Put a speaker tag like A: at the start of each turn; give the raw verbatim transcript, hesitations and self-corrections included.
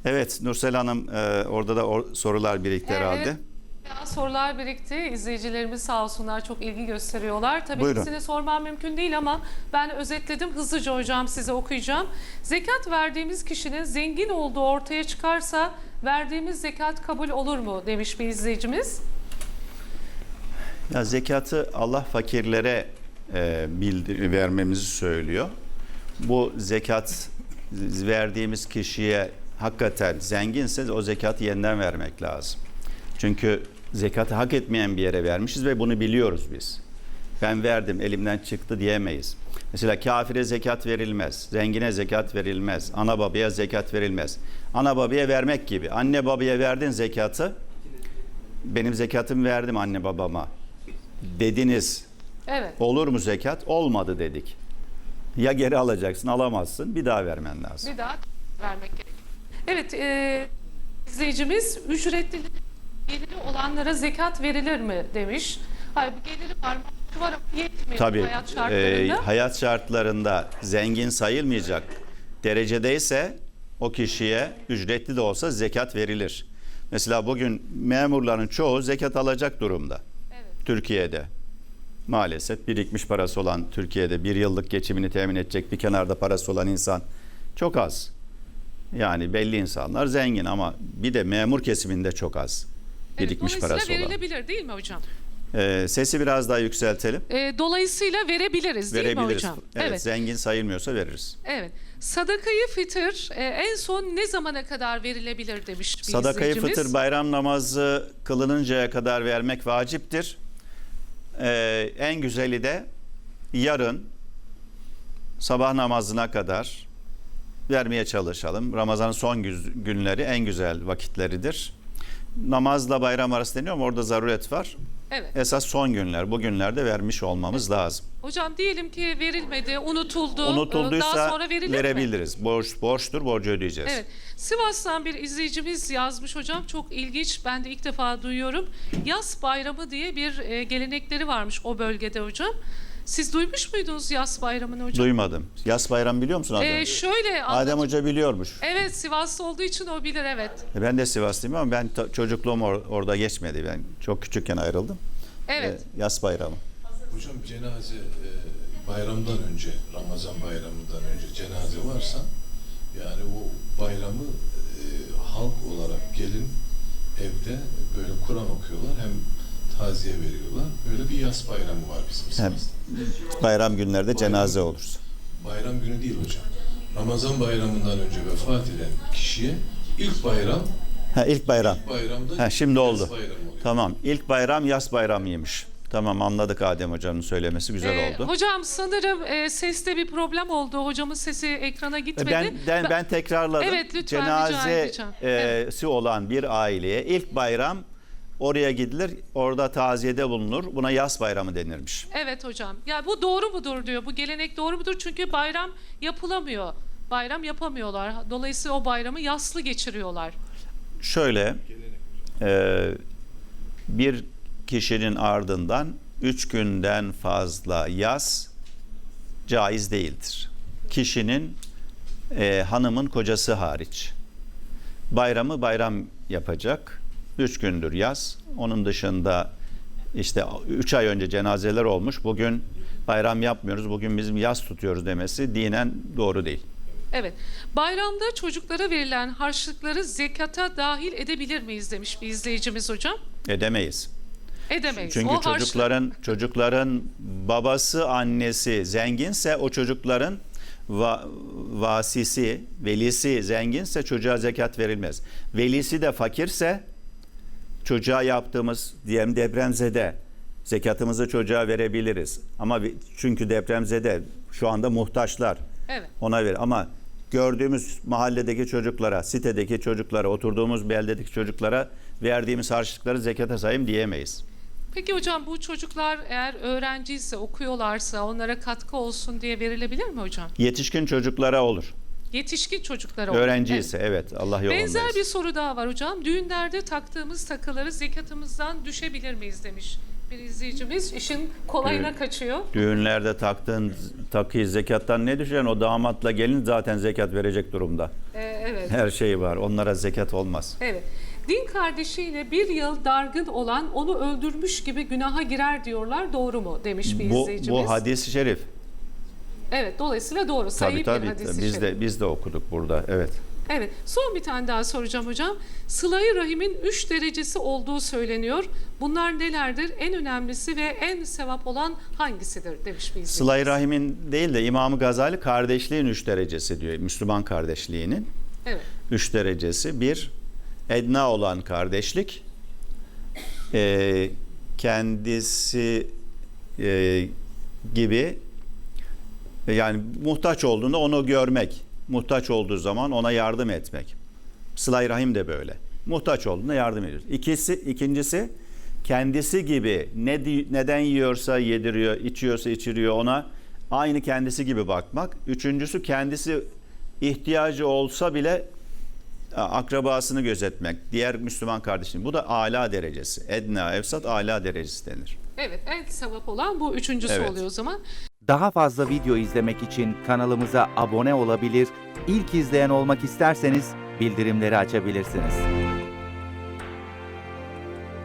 A: Evet Nursel Hanım, e, orada da or sorular birikti
B: Evet.
A: herhalde.
B: Ya, sorular birikti. İzleyicilerimiz sağ olsunlar çok ilgi gösteriyorlar. Tabii
A: Buyurun.
B: hepsini sormam mümkün değil ama ben özetledim. Hızlıca hocam size okuyacağım. Zekat verdiğimiz kişinin zengin olduğu ortaya çıkarsa verdiğimiz zekat kabul olur mu demiş bir izleyicimiz.
A: Ya zekatı Allah fakirlere e, bildir vermemizi söylüyor. Bu zekat verdiğimiz kişiye hakikaten zenginse o zekatı yeniden vermek lazım. Çünkü zekatı hak etmeyen bir yere vermişiz ve bunu biliyoruz biz. Ben verdim, elimden çıktı diyemeyiz. Mesela kafire zekat verilmez, zengine zekat verilmez, ana babaya zekat verilmez. Ana babaya vermek gibi. Anne babaya verdin zekatı, benim zekatımı verdim anne babama dediniz.
B: Evet.
A: Olur mu zekat? Olmadı dedik. Ya geri alacaksın, alamazsın, bir daha vermen lazım.
B: Bir daha vermek gerekiyor. Evet, e, izleyicimiz ücretli geliri olanlara zekat verilir mi demiş. Hayır, bu geliri var, var ama yetmiyor
A: Tabii
B: hayat
A: e,
B: şartlarında.
A: hayat şartlarında zengin sayılmayacak derecedeyse o kişiye ücretli de olsa zekat verilir. Mesela bugün memurların çoğu zekat alacak durumda.
B: Evet.
A: Türkiye'de. Maalesef birikmiş parası olan Türkiye'de bir yıllık geçimini temin edecek bir kenarda parası olan insan çok az. Yani belli insanlar zengin ama bir de memur kesiminde çok az birikmiş
B: Evet,
A: parası
B: dolayısıyla
A: olan.
B: verilebilir değil mi hocam?
A: Ee, sesi biraz daha yükseltelim.
B: E, dolayısıyla verebiliriz değil mi
A: Verebiliriz.
B: hocam?
A: Evet,
B: Evet.
A: zengin sayılmıyorsa veririz.
B: Evet. Sadakayı fıtır e, en son ne zamana kadar verilebilir demiş bir
A: Sadakayı
B: izleyicimiz.
A: fıtır bayram namazı kılınıncaya kadar vermek vaciptir. Ee, en güzeli de yarın sabah namazına kadar vermeye çalışalım. Ramazan'ın son günleri en güzel vakitleridir. Namazla bayram arası deniyor ama orada zaruret var.
B: Evet.
A: Esas son günler, bu günlerde vermiş olmamız lazım.
B: Hocam diyelim ki verilmedi, unutuldu.
A: Unutulduysa
B: daha sonra verilir mi?
A: verebiliriz. Borç, borçtur, borcu ödeyeceğiz.
B: Evet. Sivas'tan bir izleyicimiz yazmış hocam. Çok ilginç. Ben de ilk defa duyuyorum. Yas bayramı diye bir e, gelenekleri varmış o bölgede hocam. Siz duymuş muydunuz Yas bayramını hocam?
A: Duymadım. Yas bayramı biliyor musun Adem?
B: Ee, şöyle
A: Adem
B: anlat-
A: Hoca biliyormuş.
B: Evet, Sivaslı olduğu için o bilir, evet.
A: E, Ben de Sivaslıyım ama ben ta- çocukluğum or- orada geçmedi. Ben çok küçükken ayrıldım.
B: Evet.
A: E, Yas bayramı.
C: Hocam cenaze e, bayramdan önce, Ramazan bayramından önce cenaze varsa yani o bayramı e, halk olarak gelin evde böyle Kur'an okuyorlar, hem taziye veriyorlar. Böyle bir yas bayramı var bizim
A: Hem
C: Sivas'ta.
A: bayram günlerde
C: Bayram-
A: cenaze olur.
C: Bayram günü değil hocam. Ramazan bayramından önce vefat eden kişiye ilk bayram,
A: Ha, ilk bayram.
C: bayramda
A: Ha, şimdi
C: yas
A: oldu.
C: bayramı oluyor.
A: Tamam. İlk bayram yas bayramıymış. Tamam, anladık, Adem Hoca'nın söylemesi güzel
B: Ee,
A: oldu.
B: hocam sanırım e, seste bir problem oldu. Hocamın sesi ekrana gitmedi.
A: Ben, ben, ben tekrarladım.
B: Evet, lütfen rica
A: Cenazesi
B: edeceğim.
A: olan bir aileye ilk bayram oraya gidilir. Orada taziyede bulunur. Buna yas bayramı denirmiş.
B: Evet hocam. Ya bu doğru mudur diyor. Bu gelenek doğru mudur? Çünkü bayram yapılamıyor. Bayram yapamıyorlar. Dolayısıyla o bayramı yaslı geçiriyorlar.
A: Şöyle, e, bir kişinin ardından üç günden fazla yas caiz değildir. Kişinin, e, hanımın kocası hariç. Bayramı bayram yapacak. Üç gündür yas. Onun dışında işte üç ay önce cenazeler olmuş. Bugün bayram yapmıyoruz. Bugün bizim yas tutuyoruz demesi dinen doğru değil.
B: Evet. Bayramda çocuklara verilen harçlıkları zekata dahil edebilir miyiz demiş bir izleyicimiz hocam.
A: Edemeyiz.
B: Edemeyiz.
A: Çünkü
B: O harçlık-
A: çocukların çocukların babası, annesi zenginse o çocukların va, vasisi, velisi zenginse çocuğa zekat verilmez. Velisi de fakirse çocuğa yaptığımız diyelim depremzede zekatımızı çocuğa verebiliriz. Ama vi- çünkü depremzede şu anda muhtaçlar.
B: Evet.
A: Ona ver ama gördüğümüz mahalledeki çocuklara, sitedeki çocuklara, oturduğumuz beldedeki çocuklara verdiğimiz harçlıkları zekata sayayım diyemeyiz.
B: Peki hocam bu çocuklar eğer öğrenciyse, okuyorlarsa onlara katkı olsun diye verilebilir mi hocam?
A: Yetişkin çocuklara olur.
B: Yetişkin çocuklara olur.
A: Öğrenci
B: Evet.
A: ise evet, Allah yolundayız.
B: Benzer bir soru daha var hocam. Düğünlerde taktığımız takıları zekatımızdan düşebilir miyiz demiş Bir izleyicimiz işin kolayına
A: Evet.
B: kaçıyor.
A: Düğünlerde taktığın takıyı zekattan ne düşen? O damatla gelin zaten zekat verecek durumda.
B: Ee, evet.
A: Her şey var. Onlara zekat olmaz.
B: Evet. Din kardeşiyle bir yıl dargın olan onu öldürmüş gibi günaha girer diyorlar. Doğru mu demiş bir
A: Bu,
B: izleyicimiz.
A: bu hadis-i şerif.
B: Evet, dolayısıyla doğru.
A: Tabii
B: Sayı
A: tabii.
B: bir hadis-i
A: Biz
B: şerif.
A: de biz de okuduk burada. Evet.
B: Evet. Son bir tane daha soracağım hocam. Sıla-i Rahim'in üç derecesi olduğu söyleniyor. Bunlar nelerdir? En önemlisi ve en sevap olan hangisidir demiş bir izleyicimiz.
A: Sıla-i Rahim'in değil de İmam-ı Gazali kardeşliğin üç derecesi diyor. Müslüman kardeşliğinin
B: Evet.
A: üç derecesi. Bir, edna olan kardeşlik. Ee, kendisi e, gibi yani muhtaç olduğunda onu görmek. Muhtaç olduğu zaman ona yardım etmek. Sıla-i Rahim de böyle. Muhtaç olduğunda yardım ediyoruz. İkisi, ikincisi kendisi gibi ne di- neden yiyorsa yediriyor, içiyorsa içiriyor ona aynı kendisi gibi bakmak. Üçüncüsü kendisi ihtiyacı olsa bile akrabasını gözetmek. Diğer Müslüman kardeşim. Bu da âlâ derecesi. Edna, evsat âlâ derecesi denir.
B: Evet, en sevap olan bu üçüncüsü
A: Evet.
B: oluyor o zaman.
D: Daha fazla video izlemek için kanalımıza abone olabilir, ilk izleyen olmak isterseniz bildirimleri açabilirsiniz.